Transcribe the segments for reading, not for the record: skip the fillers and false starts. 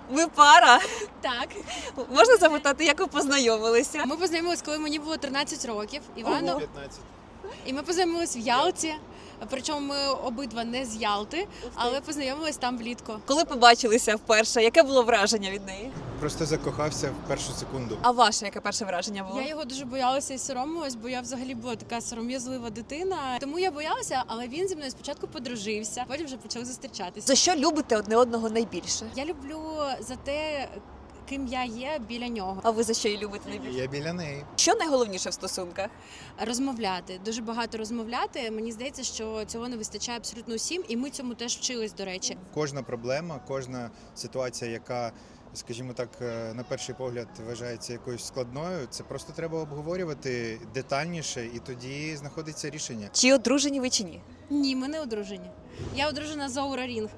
Ви пара. Так. Можна запитати, як ви познайомилися? Ми познайомились, коли мені було 13 років. Івану. 15. І ми познайомились в Ялті. Причому ми обидва не з Ялти, але познайомились там влітку. Коли побачилися вперше, яке було враження від неї? Просто закохався в першу секунду. А ваше яке перше враження було? Я його дуже боялася і соромилась, бо я взагалі була така сором'язлива дитина. Тому я боялася, але він зі мною спочатку подружився, потім вже почали зустрічатися. За що любите одне одного найбільше? Я люблю за те, ким я є біля нього. А ви за що її любите найбільше? Я біля неї. Що найголовніше в стосунках? Розмовляти, дуже багато розмовляти. Мені здається, що цього не вистачає абсолютно усім, і ми цьому теж вчились, до речі. Кожна проблема, кожна ситуація, яка, скажімо так, на перший погляд вважається якоюсь складною, це просто треба обговорювати детальніше, і тоді знаходиться рішення. Чи одружені ви чи ні? Ні, ми не одружені. Я одружена з Оура Рінг.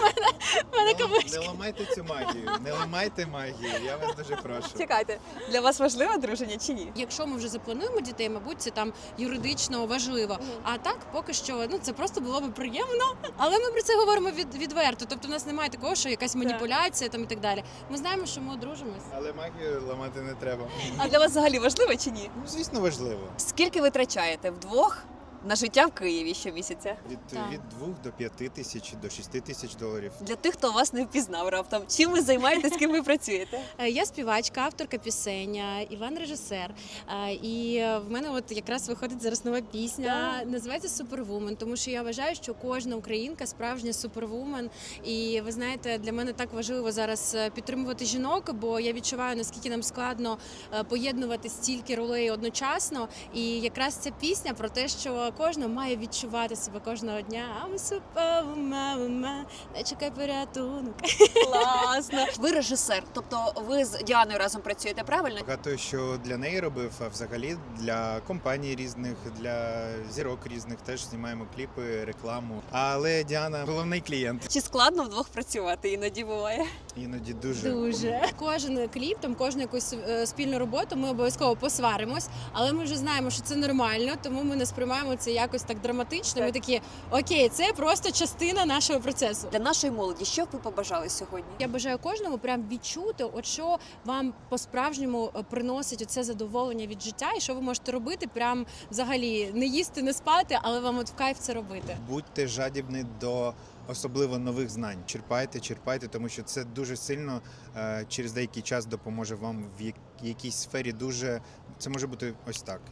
Не ламайте цю магію, не ламайте магію, я вас дуже прошу. Чекайте, для вас важливе одруження чи ні? Якщо ми вже заплануємо дітей, мабуть, це там юридично важливо. А так, поки що, це просто було би приємно. Але ми про це говоримо відверто. Тобто, в нас немає такого, що якась маніпуляція там і так далі. Ми знаємо, що ми одружимось. Але магію ламати не треба. А для вас взагалі важливе чи ні? Ну, звісно, важливо. Скільки ви витрачаєте вдвох на життя в Києві щомісяця? Так. Від 2 до 5 тисяч, до 6 тисяч доларів. Для тих, хто вас не впізнав раптом, чим ви займаєтесь, з ким ви працюєте? Я співачка, авторка пісень, Іван режисер. І в мене от якраз виходить зараз нова пісня. Називається Супервумен, тому що я вважаю, що кожна українка справжня супервумен. І ви знаєте, для мене так важливо зараз підтримувати жінок, бо я відчуваю, наскільки нам складно поєднувати стільки ролей одночасно. І якраз ця пісня про те, що кожна має відчувати себе кожного дня. I'm superwoman, не чекай порятунок. Класно. Ви режисер, тобто ви з Діаною разом працюєте, правильно? Багато що для неї робив, а взагалі для компаній різних, для зірок різних теж знімаємо кліпи, рекламу. Але Діана головний клієнт. Чи складно вдвох працювати? Іноді буває. Іноді дуже. Дуже. Кожен кліп, кожну якусь спільну роботу ми обов'язково посваримось, але ми вже знаємо, що це нормально, тому ми не сприймаємо це якось так драматично. Ми такі, окей, це просто частина нашого процесу. Для нашої молоді, що б ви побажали сьогодні? Я бажаю кожному прям відчути, от що вам по-справжньому приносить оце задоволення від життя, і що ви можете робити, прям взагалі не їсти, не спати, але вам от в кайф це робити. Будьте жадібні до особливо нових знань. Черпайте, тому що це дуже сильно через деякий час допоможе вам в якійсь сфері дуже. Це може бути ось так.